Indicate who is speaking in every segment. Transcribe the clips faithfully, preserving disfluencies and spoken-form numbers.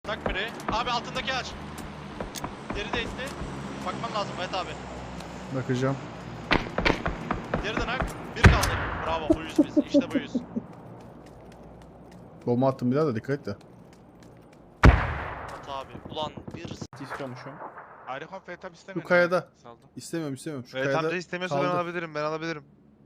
Speaker 1: Tak biri. Abi altındaki aç. Deri de itti. Bakman lazım Mehmet abi.
Speaker 2: Bakacağım.
Speaker 1: Deriden ak. Bir kaldı. Bravo buyuz biz. İşte buyuz.
Speaker 2: Bomba attım bir daha da dikkat et de.
Speaker 1: Mehmet abi. Ulan bir...
Speaker 3: İstiyormuşum.
Speaker 4: Ayrıca Fetab istemiyorum.
Speaker 2: Şu kayada.
Speaker 4: Saldım.
Speaker 2: İstemiyorum istemiyorum. Şu
Speaker 4: Fetab
Speaker 2: kayada
Speaker 4: da istemiyorsa ben
Speaker 2: kaldı.
Speaker 4: alabilirim. Ben alabilirim.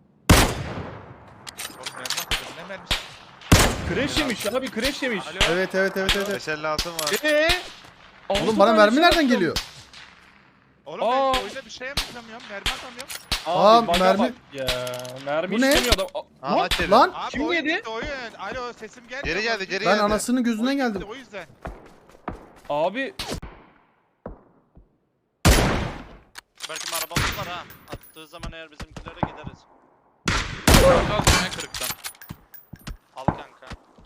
Speaker 4: Oğlum mermi atacağım. Ne mermisi?
Speaker 3: Crash yemiş abi, crash yemiş.
Speaker 4: Alo.
Speaker 2: Evet evet evet evet.
Speaker 4: beş elli altın var.
Speaker 3: Eee?
Speaker 2: Oğlum bana mermi nereden geliyor?
Speaker 4: Oğlum
Speaker 3: Aa.
Speaker 4: ben oyunda bir şey yapamıyorum. Mermi atamıyorum.
Speaker 2: Aa,
Speaker 3: Abi, bug'a
Speaker 2: mermi-
Speaker 3: bak Ya mermi
Speaker 2: Bu ne?
Speaker 3: istemiyor adam. Aa,
Speaker 4: Aa,
Speaker 3: lan,
Speaker 4: aç yeri.
Speaker 2: Lan
Speaker 4: Abi
Speaker 3: Kim
Speaker 4: oyun
Speaker 3: yedi?
Speaker 4: gitti, oyun. Alo sesim geldi. Geri geldi, geri
Speaker 2: ben
Speaker 4: geldi.
Speaker 2: anasının gözünden
Speaker 4: Oyun
Speaker 2: geldim.
Speaker 4: gitti, o yüzden.
Speaker 3: Abi
Speaker 1: Belki arabamız var ha. Attığı zaman eğer bizimkilere gideriz.
Speaker 5: Kalk ne kırıktan.
Speaker 1: Al kanka.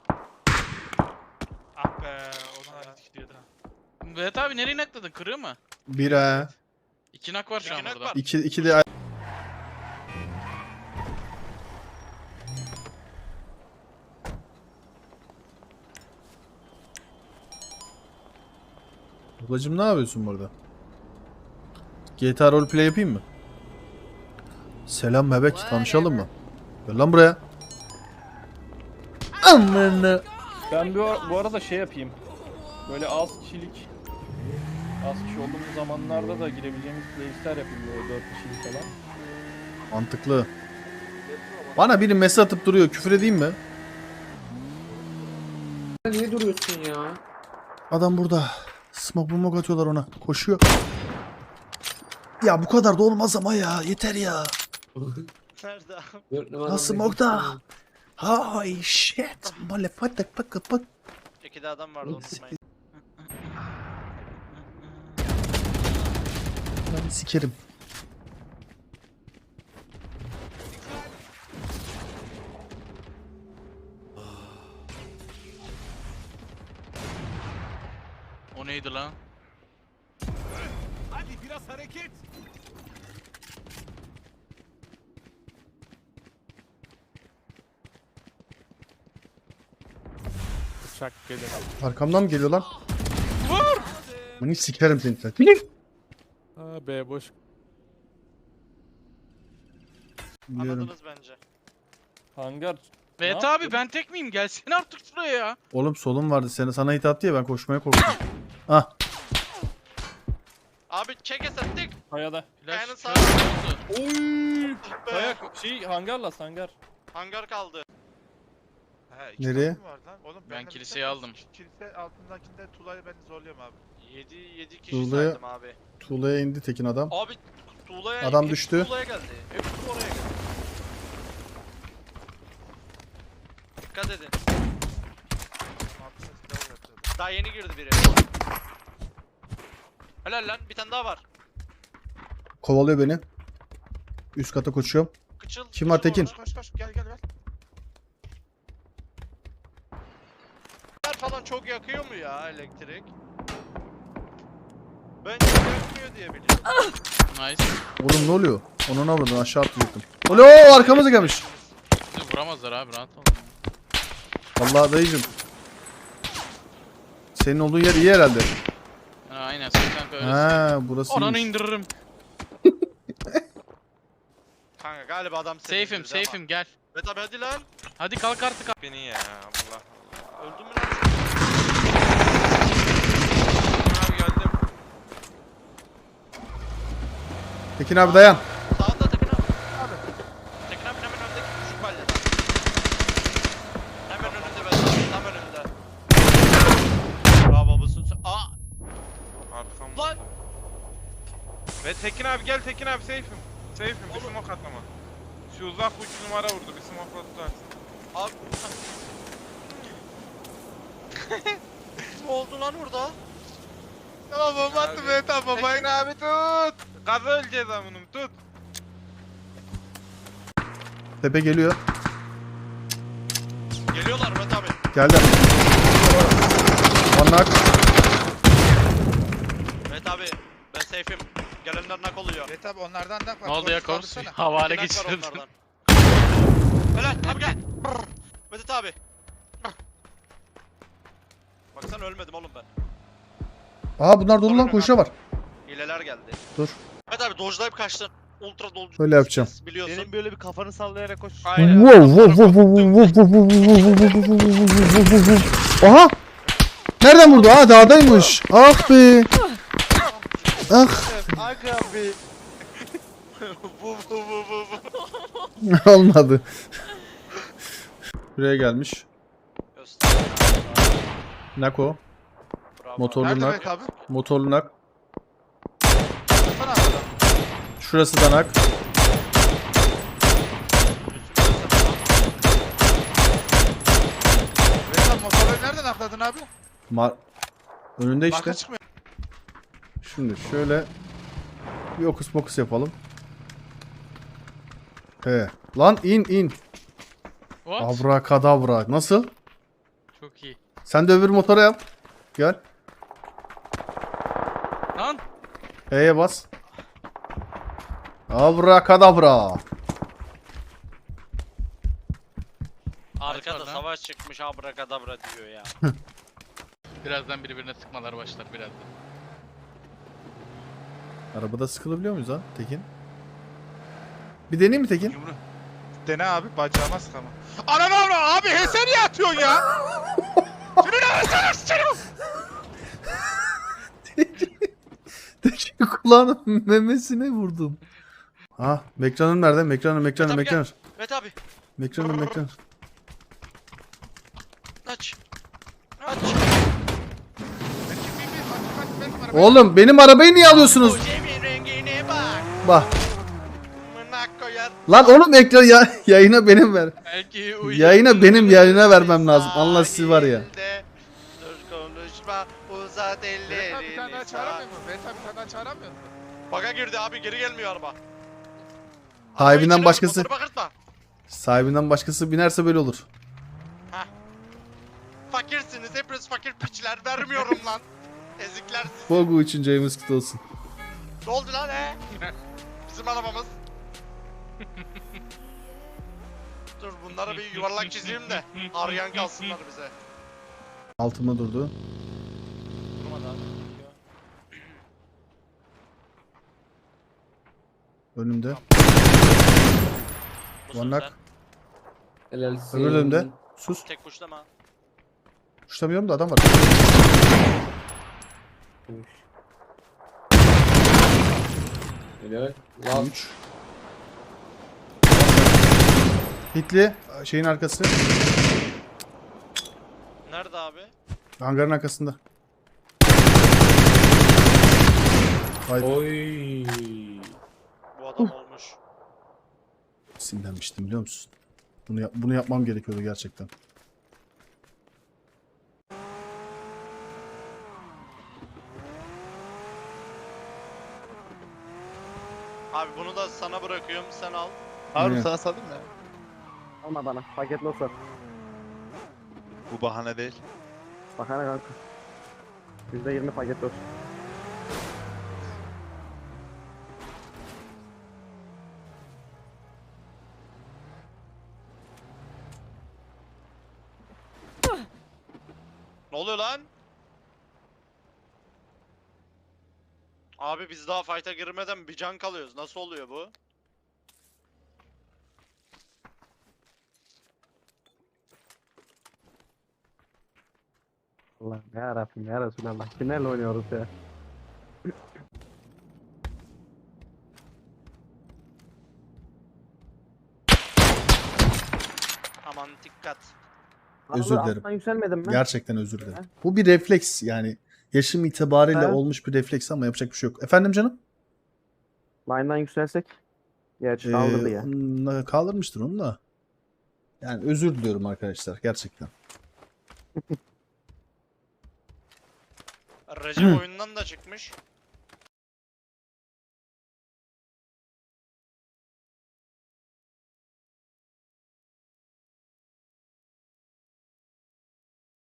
Speaker 4: Ah be. Ona da gidiyordu.
Speaker 5: Vedat abi nereye nakladın? Kırığı mı?
Speaker 2: Bir ha.
Speaker 5: İki nak var şu an
Speaker 1: İki nak
Speaker 5: burada.
Speaker 1: var.
Speaker 2: İki, iki de... Ablacım ne yapıyorsun burada? G T A roleplay yapayım mı? Selam bebek, tanışalım mı? Gel lan buraya. Amına.
Speaker 3: ben bu, bu arada şey yapayım. Böyle az kişilik az kişi olduğumuz zamanlarda da girebileceğimiz playlistler yapayım böyle dört kişilik falan.
Speaker 2: Mantıklı. Bana biri mesaj atıp duruyor. Küfür edeyim mi?
Speaker 6: Niye duruyorsun ya?
Speaker 2: Adam burada. Smoke bomb atıyorlar ona. Koşuyor. Ya bu kadar da olmaz ama ya. Yeter ya.
Speaker 1: Nerede abi?
Speaker 6: Dört numaralı
Speaker 2: Ha smoke'da. Hay shit. Motherfucker fucker fuck.
Speaker 1: İkide adam vardı unutmayın.
Speaker 2: Ben sikerim.
Speaker 5: O neydi lan?
Speaker 4: Hadi biraz hareket. Uçak gelir.
Speaker 2: Arkamdan mı geliyor lan?
Speaker 5: Vur!
Speaker 2: Beni sikerim seni sen.
Speaker 4: Aa be boş.
Speaker 2: Biliyorum.
Speaker 1: Anladınız bence.
Speaker 3: Hangar.
Speaker 5: Vedat
Speaker 3: Ne
Speaker 5: abi
Speaker 3: yaptın?
Speaker 5: ben tek miyim? Gelsene artık şuraya ya.
Speaker 2: Oğlum solum vardı. Seni, sana hit attı ya ben koşmaya korktum. Ah.
Speaker 1: Abi çek esettik.
Speaker 3: Kayada.
Speaker 1: Kayanın
Speaker 5: Flash
Speaker 1: sağı.
Speaker 5: oldu.
Speaker 3: Oy!
Speaker 1: Be.
Speaker 3: Kaya şey hangarla hangar.
Speaker 1: Hangar kaldı.
Speaker 4: He, iki
Speaker 2: Nereye?
Speaker 4: tane mi var lan? Oğlum,
Speaker 5: Ben
Speaker 4: de
Speaker 5: kiliseyi
Speaker 4: bir-
Speaker 5: aldım.
Speaker 4: Kilise altındakinde Tula'yı ben zorluyorum abi.
Speaker 1: yedi yedi kişi
Speaker 2: Tuğla'ya-
Speaker 1: saydım abi.
Speaker 2: Tuğla'ya indi tekin adam.
Speaker 1: Abi Tuğla'ya
Speaker 2: Adam
Speaker 1: hepsi
Speaker 2: düştü.
Speaker 1: Tuğla'ya geldi. Hepsi oraya geldi. Dikkat edin.
Speaker 4: Altında silah yatıyordu.
Speaker 1: Daha yeni girdi biri. Helal lan bir tane daha var.
Speaker 2: Kovalıyor beni. Üst kata koşuyorum.
Speaker 1: Kıçıl.
Speaker 2: Kim var
Speaker 1: kıçıl
Speaker 2: Tekin?
Speaker 1: orada.
Speaker 4: Koş koş gel gel gel.
Speaker 1: Falan çok yakıyor mu ya elektrik? Bence yakmıyor diye biliyorum.
Speaker 5: Nice.
Speaker 2: Oğlum ne oluyor? Onun avradını aşağı atlayacaktım. Alo arkamıza gelmiş.
Speaker 5: Bizi vuramazlar abi rahat ol.
Speaker 2: Vallahi dayıcım. Senin olduğun yer iyi herhalde.
Speaker 5: Ha, aynen sen kanka öylesin.
Speaker 2: Ha burası
Speaker 5: Oranı
Speaker 2: iyiymiş.
Speaker 5: indiririm.
Speaker 1: Kanka galiba adam seni
Speaker 5: Safe'im
Speaker 1: indirdi ama.
Speaker 5: safe'im gel.
Speaker 1: Evet abi hadi lan.
Speaker 5: Hadi kalk artık abi.
Speaker 4: Beni ya Allah.
Speaker 1: Öldün mü lan?
Speaker 4: Abi geldim.
Speaker 2: Tekin abi dayan.
Speaker 1: Sağında Tekin abi. Abi. Tekin abi hemen öndeki küçük balyada. Hemen önünde ben abi. Tam önünde. Bravo bu sus. Aa
Speaker 4: Arkam.
Speaker 1: lan.
Speaker 4: Ve Tekin abi gel Tekin abi safe'im. Safe'im bir
Speaker 1: Oğlum.
Speaker 4: smoke atlama. Şu uzak üç numara vurdu bir smoke'la tutarsın.
Speaker 1: Abi. Ne oldu lan orada?
Speaker 4: Tamam bomba attım
Speaker 1: Abi.
Speaker 4: evet tamam babayın abi tut. Gaza öleceğiz amınım tut.
Speaker 2: Tepe geliyor.
Speaker 1: Geliyorlar Mehmet abi.
Speaker 2: Geldi. Anlak.
Speaker 1: Mehmet abi ben safe'im. Gelenler nak oluyor.
Speaker 4: Evet abi onlardan da
Speaker 5: Ne oldu ya Kors? Havale
Speaker 1: İki nak var
Speaker 5: geçirdin.
Speaker 1: onlardan. Helal abi gel. Mehmet abi. Baksana ölmedim oğlum ben.
Speaker 2: Aa bunlar dolu lan, koşuya var.
Speaker 1: Hileler geldi.
Speaker 2: Dur.
Speaker 1: Evet abi dodge'layıp kaçtın. Ultra dodge.
Speaker 2: Öyle yapacağım.
Speaker 1: Biliyorsun.
Speaker 4: Senin böyle bir kafanı sallayarak koş.
Speaker 1: Aynen.
Speaker 2: Wow, wow, wow, wow, wow, wow, wow, wow, wow, wow, wow, wow, wow, wow. Aha! Nereden vurdu? Aa dağdaymış. Ah be. Ah.
Speaker 1: Aga abi. bu bu bu bu bu.
Speaker 2: Olmadı. Buraya gelmiş.
Speaker 1: Göster.
Speaker 2: Nako.
Speaker 1: Bravo.
Speaker 2: Motorlu
Speaker 7: Nerede
Speaker 2: nak.
Speaker 7: Mehmet abi?
Speaker 2: Motorlu nak.
Speaker 7: Sana abi adam.
Speaker 2: Şurası da nak.
Speaker 7: Mehmet abi motorları nereden akladın abi?
Speaker 2: Ma Önünde işte.
Speaker 7: Marka çıkmıyor.
Speaker 2: Şimdi şöyle bir okus pokus yapalım. He. Lan in in.
Speaker 5: What?
Speaker 2: Abrakadabra. Nasıl?
Speaker 5: Çok iyi.
Speaker 2: Sen de öbür motora yap. Gel.
Speaker 5: Lan.
Speaker 2: E'ye bas. Abrakadabra.
Speaker 1: Arkada
Speaker 5: Arkada.
Speaker 1: savaş çıkmış abrakadabra diyor ya.
Speaker 5: Birazdan birbirine sıkmalar başlar birazdan.
Speaker 2: Arabada sıkılabiliyor muyuz lan Tekin? Bir deneyeyim mi Tekin?
Speaker 7: Yumru. Dene abi bacağıma sıkama. Ananı avra abi he sen niye atıyorsun ya? Seni ne sen sıçarım?
Speaker 2: Tekin kulağının memesine vurdum. Ah, Mekran'ım nerede? Mekran'ım, Mekran'ım,
Speaker 1: Tabii,
Speaker 2: Mekran'ım.
Speaker 1: Mehmet abi
Speaker 2: Mekran'ım, Mekran'ım.
Speaker 1: aç. Aç.
Speaker 2: Oğlum benim arabayı niye alıyorsunuz?
Speaker 1: O Cem'in rengine bak.
Speaker 2: Bak.
Speaker 1: Mınak koyar.
Speaker 2: Lan oğlum ekran ya yayına benim ver.
Speaker 5: Belki uyuyor.
Speaker 2: Yayına benim yayına vermem lazım. Allah sizi var ya.
Speaker 1: Sahilde Dur konuşma uzat
Speaker 7: Mehmet abi bir tane daha
Speaker 1: ellerini.
Speaker 7: çağıramıyor mu? Mehmet abi bir tane daha çağıramıyor mu?
Speaker 1: Baga girdi abi geri gelmiyor araba.
Speaker 2: Sahibinden
Speaker 1: Arabayı
Speaker 2: başkası
Speaker 1: içine bakırtma.
Speaker 2: sahibinden başkası binerse böyle olur.
Speaker 1: Fakirsiniz hepiniz fakir piçler vermiyorum lan. Ezikler siz.
Speaker 2: Bogu için James kutlu olsun.
Speaker 1: Ne oldu lan he? Bizim arabamız. Dur bunlara bir yuvarlak çizeyim de arayan kalsınlar bize.
Speaker 2: Altımda durdu.
Speaker 1: Durmadı abi.
Speaker 2: Önümde.
Speaker 1: Musun
Speaker 2: Vanak.
Speaker 1: sen?
Speaker 6: Helalsin.
Speaker 2: Öbür önümde. Sus.
Speaker 1: Tek kuşlama.
Speaker 2: Kuşlamıyorum da adam var.
Speaker 6: Helal. Lan.
Speaker 2: üç. Hitli şeyin arkası.
Speaker 1: Nerede abi?
Speaker 2: Hangarın arkasında. Vay
Speaker 6: Oy.
Speaker 1: Bu adam olmuş.
Speaker 2: sinirlenmiştim biliyor musun? Bunu yap- bunu yapmam gerekiyordu gerçekten.
Speaker 1: Abi bunu da sana bırakıyorum sen al.
Speaker 7: Harun
Speaker 2: Ne?
Speaker 7: sana salayım mı?
Speaker 8: Alma bana. Paketli olsa.
Speaker 7: Bu bahane değil.
Speaker 8: Bakana kanka. yüzde yirmi paketli olsun.
Speaker 1: Ne oluyor lan? Abi biz daha fight'a girmeden bir can kalıyoruz. Nasıl oluyor bu?
Speaker 8: Allah ya Rabbim ya Resulallah. Kimlerle oynuyoruz ya?
Speaker 1: Aman dikkat.
Speaker 2: Özür
Speaker 8: Abi
Speaker 2: dilerim.
Speaker 8: alttan yükselmedin mi?
Speaker 2: Gerçekten özür dilerim. Bu bir refleks yani. Yaşım itibariyle
Speaker 8: Ha?
Speaker 2: olmuş bir refleks ama yapacak bir şey yok. Efendim canım?
Speaker 8: Line'dan yükselsek. Gerçi
Speaker 2: Ee,
Speaker 8: kaldırdı ya.
Speaker 2: onunla kaldırmıştır onu da. Yani özür diliyorum arkadaşlar gerçekten.
Speaker 1: Recep oyundan da çıkmış.